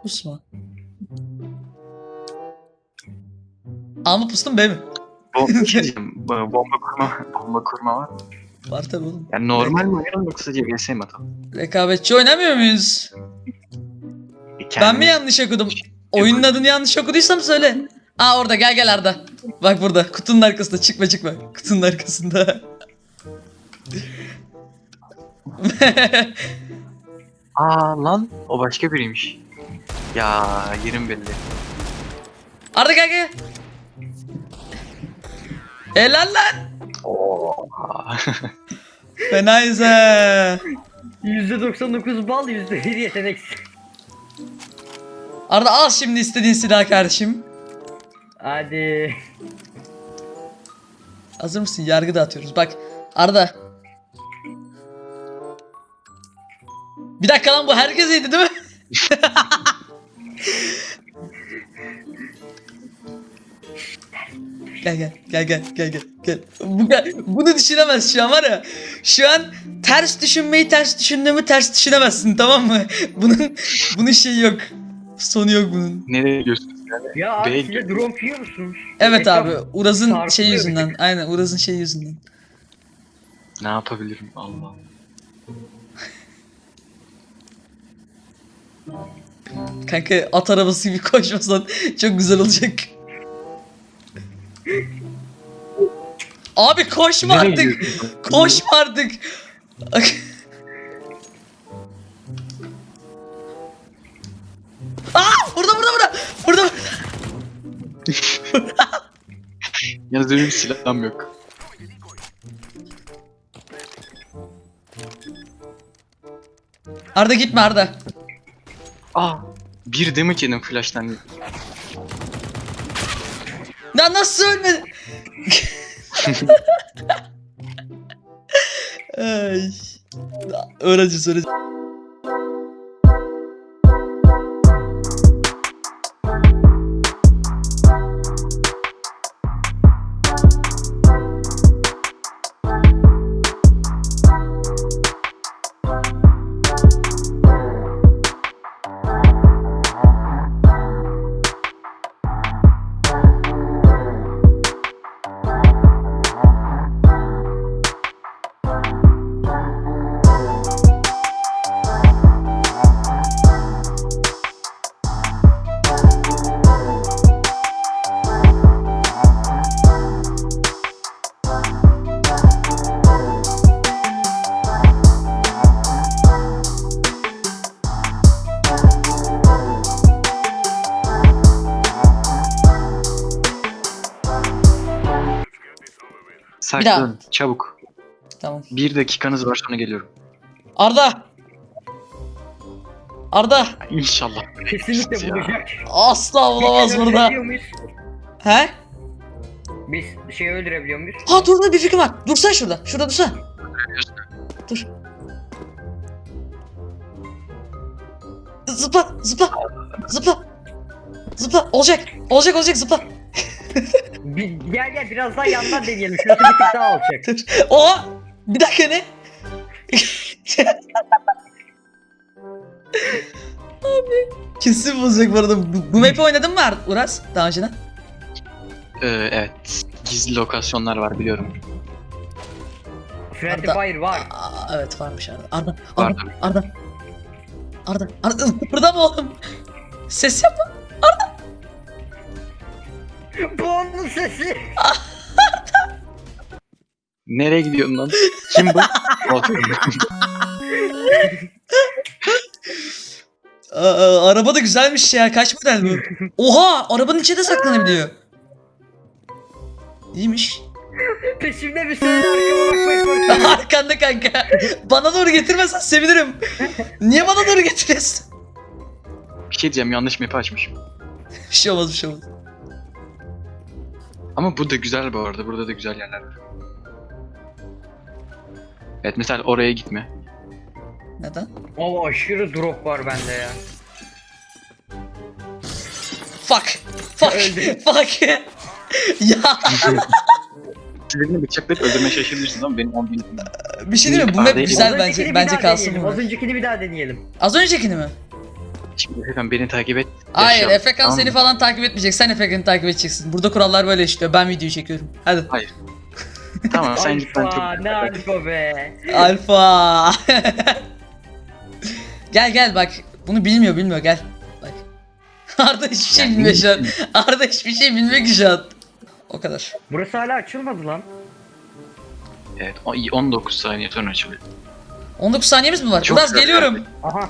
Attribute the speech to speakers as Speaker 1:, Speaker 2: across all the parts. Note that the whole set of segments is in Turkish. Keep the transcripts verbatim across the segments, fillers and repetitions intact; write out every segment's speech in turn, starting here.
Speaker 1: Pusma. A mı pustum B mi?
Speaker 2: Bomba, bir şey diyeceğim. Bomba kurma, bomba kurma var mı?
Speaker 1: Var tabi oğlum.
Speaker 2: Yani normal mi oynayalım yoksa C V S mi atalım?
Speaker 1: Rekabetçi oynamıyor muyuz?
Speaker 2: E,
Speaker 1: Ben mi yanlış okudum? Oyunun adını yanlış okuduysam söyle. Aa orada, gel gel Arda. Bak burada kutunun arkasında, çıkma çıkma. Kutunun arkasında.
Speaker 2: Aa lan o başka biriymiş. Ya yerim belli.
Speaker 1: Arda gel gel. Helal lan.
Speaker 2: Oha.
Speaker 1: Fenayız he.
Speaker 3: yüzde doksan dokuz bal, yüzde bir yeteneksiz.
Speaker 1: Arda al şimdi istediğin silah kardeşim.
Speaker 3: Hadi.
Speaker 1: Hazır mısın? Yargı dağıtıyoruz. Bak Arda. Bir dakika lan, bu herkes yedi değil mi? Gel gel gel gel gel gel gel. Bu, bunu düşünemez şu an var ya. Şu an ters düşünmeyi ters düşündüğümü ters düşünemezsin, tamam mı? Bunun bunun şeyi yok. Sonu yok bunun.
Speaker 2: Nereye gidiyorsunuz yani?
Speaker 3: Ya abi
Speaker 2: Bey-
Speaker 3: siz de drone yiyor musunuz?
Speaker 1: Evet
Speaker 3: Etraf-
Speaker 1: abi, Uraz'ın
Speaker 3: sarkılıyor
Speaker 1: şey
Speaker 3: bir
Speaker 1: yüzünden.
Speaker 3: tık.
Speaker 1: Aynen Uraz'ın şey yüzünden.
Speaker 2: Ne yapabilirim Allah.
Speaker 1: Kanka at arabası gibi koşmasan çok güzel olacak. Abi koşma
Speaker 2: Nereye
Speaker 1: artık.
Speaker 2: gidiyorsun?
Speaker 1: Koşma artık. Aa, burada burada burada. Burada.
Speaker 2: Yalnız benim silahım yok.
Speaker 1: Arda gitme Arda.
Speaker 2: Aa bir damage yedim flash'tan.
Speaker 1: Ya nasıl ölmedi? Ay. Öğrenci öğrenci.
Speaker 2: Saklan çabuk.
Speaker 1: Tamam.
Speaker 2: Bir dakikanız var sonra geliyorum.
Speaker 1: Arda. Arda.
Speaker 2: İnşallah.
Speaker 3: Kesinlikle
Speaker 2: Ya.
Speaker 3: bulacak.
Speaker 1: Asla olamaz
Speaker 3: Biz
Speaker 1: burada.
Speaker 3: öldürebiliyor muyuz?
Speaker 1: He?
Speaker 3: Biz şeyi öldürebiliyor muyuz?
Speaker 1: Ha dur dur, bir fikrim var. Dursana şurada. Şurada dursana. Dur. Zıpla, zıpla. Zıpla. Zıpla. Olacak. Olacak olacak zıpla.
Speaker 3: Bir, gel gel biraz daha yandan deneyelim. Şurası bir tık daha olacak.
Speaker 1: Dur. Oha. Bir dakika ne? Abi. Kesin bozacak bu arada. Bu, bu map'i oynadın mı Ar- Uras daha önceden?
Speaker 2: Ee, evet. Gizli lokasyonlar var biliyorum.
Speaker 3: Friendly
Speaker 1: Arda-
Speaker 3: Fire var.
Speaker 1: Aa, evet varmış Arda. Arda.
Speaker 2: Var
Speaker 1: Arda. Arda. Arda. Arda. Burada mı oğlum? Ses yapma.
Speaker 3: Bu onun sesi.
Speaker 2: Nereye gidiyorsun lan? Kim bu?
Speaker 1: Aa, araba da güzelmiş ya. Kaç model bu? Oha! Arabanın içinde saklanabiliyor. İyiymiş.
Speaker 3: Peşimde bir söyle arkama bakmayı korkuyorum.
Speaker 1: Arkanda kanka. Bana doğru getirmezsen sevinirim. Niye bana doğru getiriyorsun?
Speaker 2: Bir şey diyeceğim yanlış map'i açmışım.
Speaker 1: Bir şey olmaz, bir şey olmaz.
Speaker 2: Ama bu da güzel bu arada. Burada da güzel yerler var. Evet mesela oraya gitme.
Speaker 1: Neden?
Speaker 3: Ama aşırı drop var bende ya.
Speaker 1: Fuck. Fuck.
Speaker 3: Öldü.
Speaker 1: Fuck. Ya
Speaker 2: Birini bıçaklayıp öldürmeye şaşırırsınız ama benim on bin...
Speaker 1: bir şey diyeyim mi? Bu map
Speaker 2: Az
Speaker 1: güzel
Speaker 3: öncekini
Speaker 1: bence.
Speaker 3: bir
Speaker 1: Bence
Speaker 3: daha
Speaker 1: kalsın
Speaker 3: deneyelim,
Speaker 1: bu.
Speaker 3: Az öncekini bir daha deneyelim.
Speaker 1: Az öncekini mi?
Speaker 2: Şimdi Efekan beni takip et.
Speaker 1: Hayır,
Speaker 2: yaşayalım,
Speaker 1: Efekan
Speaker 2: tamam
Speaker 1: seni
Speaker 2: mı?
Speaker 1: falan takip etmeyecek. Sen Efekan'ı takip edeceksin. Burada kurallar böyle işliyor. Ben videoyu çekiyorum. Hadi.
Speaker 2: Hayır. Tamam sen git ben çok...
Speaker 3: Alfa ne alfa be.
Speaker 1: Alfa. Gel gel bak. Bunu bilmiyor bilmiyor gel. Bak. Arda hiçbir şey
Speaker 2: Yani
Speaker 1: bilmiyor şu an. Arda hiçbir şey bilmiyor ki şu an. O kadar.
Speaker 3: Burası hala açılmadı lan.
Speaker 2: Evet o- on dokuz saniye sonra açılıyor.
Speaker 1: on dokuz saniyemiz mi var?
Speaker 2: Çok
Speaker 1: Uraz
Speaker 2: güzel
Speaker 1: geliyorum.
Speaker 3: Aha.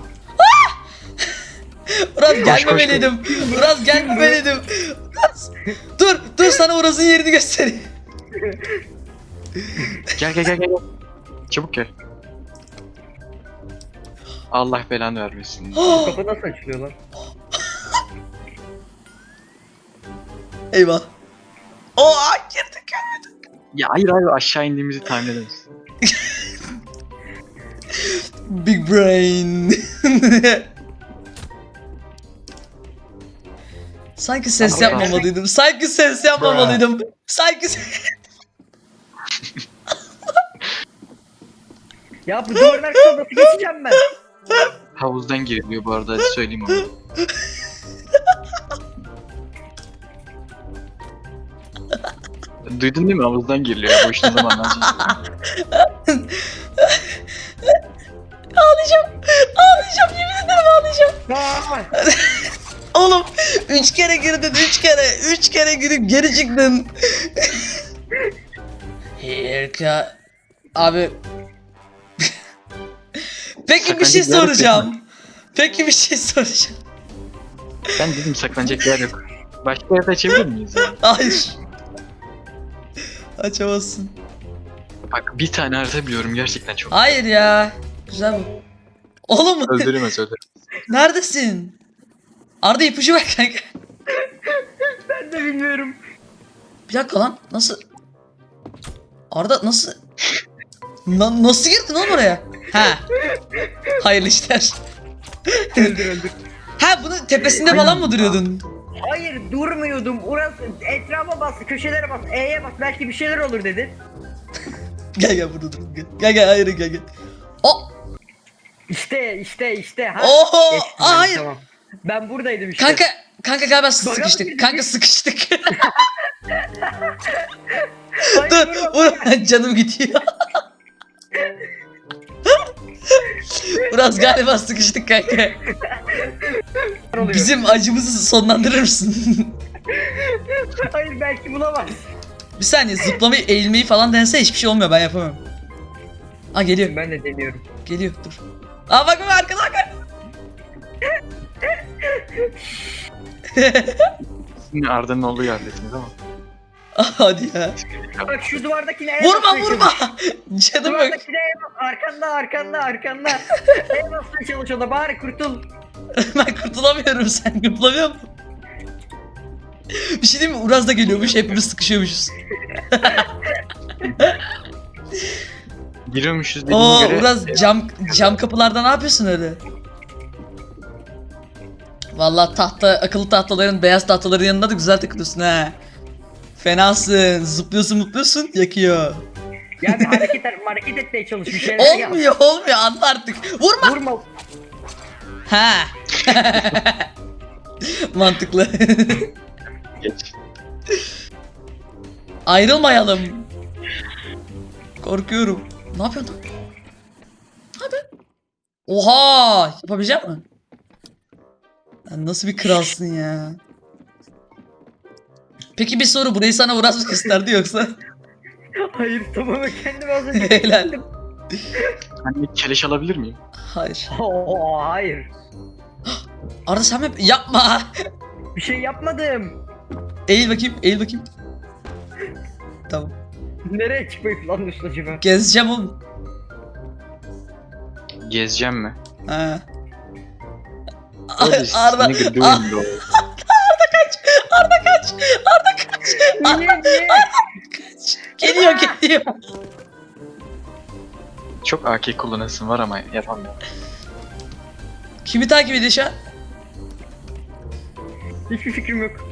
Speaker 1: Uraz
Speaker 2: koş,
Speaker 1: gelmemeliydim. Uraz gelmemeliydim. Uraz. Dur dur sana Uraz'ın yerini göstereyim.
Speaker 2: Gel gel gel gel. Çabuk gel. Allah belanı vermesin.
Speaker 3: Bu kapı nasıl açılıyor lan?
Speaker 1: Eyvah. Oha girdik.
Speaker 2: Ya hayır hayır aşağı indiğimizi tahmin edemezsin.
Speaker 1: Big brain. Sanki ses
Speaker 3: Ama
Speaker 1: yapmamalıydım. Sanki ses yapmamalıydım. Sanki ses...
Speaker 3: Ya bu duvarın arkasına nasıl geçeceğim ben?
Speaker 2: Havuzdan giriliyor bu arada hadi söyleyeyim onu. Duydun değil mi? Havuzdan giriliyor. Bu iş ne zaman lan?
Speaker 1: Ağlayacağım. Ağlayacağım. Yemin ederim ağlayacağım.
Speaker 3: Aa!
Speaker 1: Oğlum üç kere girdin. Üç kere. Üç kere girip geri çıktın. Harika. Abi. Peki bir şey
Speaker 2: Saklanacak yer yok,
Speaker 1: soracağım. Peki bir şey soracağım.
Speaker 2: Ben dedim saklanacak yer yok. Başka yerde açabilir miyiz ya?
Speaker 1: Hayır. Açamazsın.
Speaker 2: Bak bir tane harita biliyorum gerçekten çok.
Speaker 1: Hayır ya. Güzel bu. Oğlum
Speaker 2: Öldüremez öldüremez.
Speaker 1: neredesin? Arda ipucu ver kanka.
Speaker 3: Ben de bilmiyorum.
Speaker 1: Bir dakika lan nasıl? Arda nasıl? Na- nasıl girdin oğlum oraya? Ha. Hayırlı işler.
Speaker 3: Öldür öldür.
Speaker 1: Ha bunun tepesinde falan mı duruyordun?
Speaker 3: Hayır durmuyordum. Uras etrafa bas, köşelere bas, E'ye bas. Belki bir şeyler olur dedi.
Speaker 1: Gel gel burada dur. Gel gel, gel hayır gel gel. O.
Speaker 3: İşte işte işte. Ha.
Speaker 1: Oho.
Speaker 3: Geçtim
Speaker 1: Aa,
Speaker 3: ben,
Speaker 1: hayır.
Speaker 3: Tamam. Ben buradaydım işte.
Speaker 1: Kanka kanka galiba
Speaker 3: Bakalım
Speaker 1: sıkıştık.
Speaker 3: bir-
Speaker 1: Kanka sıkıştık.
Speaker 3: Hayır,
Speaker 1: Dur
Speaker 3: vurma,
Speaker 1: vur canım gidiyor. Biraz galiba sıkıştık kanka.
Speaker 3: oluyor.
Speaker 1: Bizim acımızı sonlandırır mısın?
Speaker 3: Hayır belki bulamaz.
Speaker 1: Bir saniye zıplamayı eğilmeyi falan dense hiçbir şey olmuyor ben yapamam. Aa geliyor
Speaker 3: Ben de deniyorum.
Speaker 1: geliyor dur. Aa bak bak arkada bak.
Speaker 2: Şimdi Arda'nın olduğu yerdesiniz ama.
Speaker 1: Aa, hadi ya.
Speaker 3: Bak şu duvardakine E'ye
Speaker 1: Vurma
Speaker 3: basmaya
Speaker 1: vurma.
Speaker 3: çalış.
Speaker 1: Canım yok.
Speaker 3: Duvardakine E'ye bas. Arkanda arkanda arkanda. E'ye basmaya çalış o da bari kurtul.
Speaker 1: Ben kurtulamıyorum sen kurtulamıyor musun? Bir şey diyeyim mi? Uraz da geliyormuş hepimiz sıkışıyormuşuz.
Speaker 2: Giriyormuşuz dediğine
Speaker 1: Oo
Speaker 2: göre.
Speaker 1: Uraz cam cam kapılarda ne yapıyorsun öyle? Vallahi tahta akıllı tahtaların beyaz tahtaların yanında da güzel takılıyorsun ha. Fenasın. Zıplıyorsun mutluyorsun yakıyor.
Speaker 3: Ya bir hareket, hareket etmeye çalış bir şeyler yap.
Speaker 1: Olmuyor olmuyor anla artık. Vurma.
Speaker 3: Vurma.
Speaker 1: Ha. Mantıklı.
Speaker 2: Geç.
Speaker 1: Ayrılmayalım. Korkuyorum. Ne yapıyorsun lan? Hadi. Oha! Yapabilecek misin? Sen nasıl bir kralsın ya? Peki bir soru burayı sana Uraz mı gösterdi yoksa?
Speaker 3: Hayır tamamen kendimi az önce
Speaker 1: Helal.
Speaker 3: kesildim.
Speaker 2: Hani keleş alabilir miyim?
Speaker 1: Hayır.
Speaker 3: Oo, hayır.
Speaker 1: Arda sen mi? Yapma.
Speaker 3: Bir şey yapmadım.
Speaker 1: Eğil bakayım, eğil bakayım. Tamam.
Speaker 3: Nereye çıkmayı planlıyorsun acaba?
Speaker 1: Gezeceğim oğlum.
Speaker 2: Gezeceğim mi?
Speaker 1: Ha.
Speaker 2: What is
Speaker 1: Arda,
Speaker 2: nigga
Speaker 1: Arda,
Speaker 2: doing bro?
Speaker 1: Arda kaç, Arda kaç.
Speaker 3: Niye niye?
Speaker 1: Geliyor, geliyor.
Speaker 2: Çok A K kullanasın var ama yapamıyorum.
Speaker 1: Kimi takip ediyor şu an?
Speaker 3: Hiçbir fikrim yok.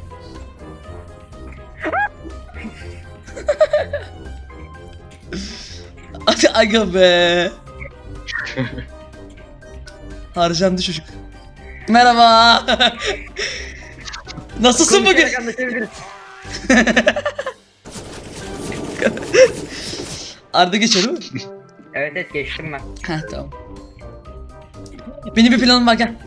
Speaker 1: Hadi aga be. Harcandı çocuk. Merhaba. Nasılsın bugün?
Speaker 3: Konuşarak anlaşabiliriz.
Speaker 1: Arda geçiyor değil mi?
Speaker 3: Evet evet geçtim ben.
Speaker 1: Heh tamam. Benim bir planım var gel.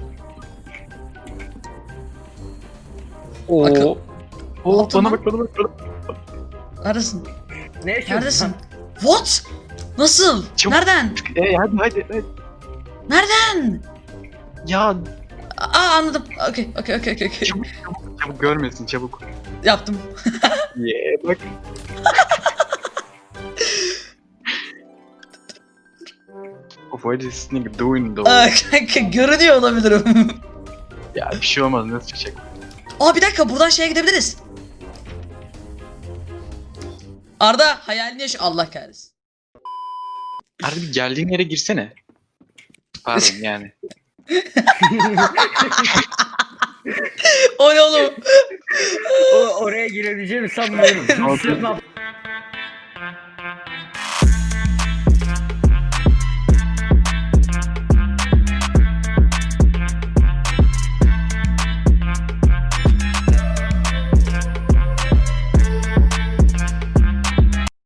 Speaker 1: Akıl-
Speaker 2: Oo. Oo
Speaker 1: Altın
Speaker 2: bana
Speaker 1: lan.
Speaker 2: bak bana bak. Bana.
Speaker 1: Neredesin?
Speaker 3: Ne yaşıyorsun?
Speaker 1: Neredesin? What? Nasıl?
Speaker 2: Çabuk.
Speaker 1: Nereden?
Speaker 2: Ee, hadi hadi hadi.
Speaker 1: Nereden?
Speaker 2: Ya
Speaker 1: Aa anladım. Okey okey okey okey. okey.
Speaker 2: çabuk çabuk çabuk görmesin çabuk.
Speaker 1: Yaptım.
Speaker 2: Yeah bak. Of what is this nigga doing though?
Speaker 1: Aa, kanka görünüyor olabilirim.
Speaker 2: Ya bir şey olmaz nasıl çıkacak?
Speaker 1: Aa bir dakika buradan şeye gidebiliriz. Arda hayalini yaş... Allah kahretsin.
Speaker 2: Harbi geldiğin yere girsene. Pardon yani.
Speaker 1: O ne oğlum?
Speaker 3: O, oraya girebileceğimi sanmıyorum.
Speaker 2: Ne oldu?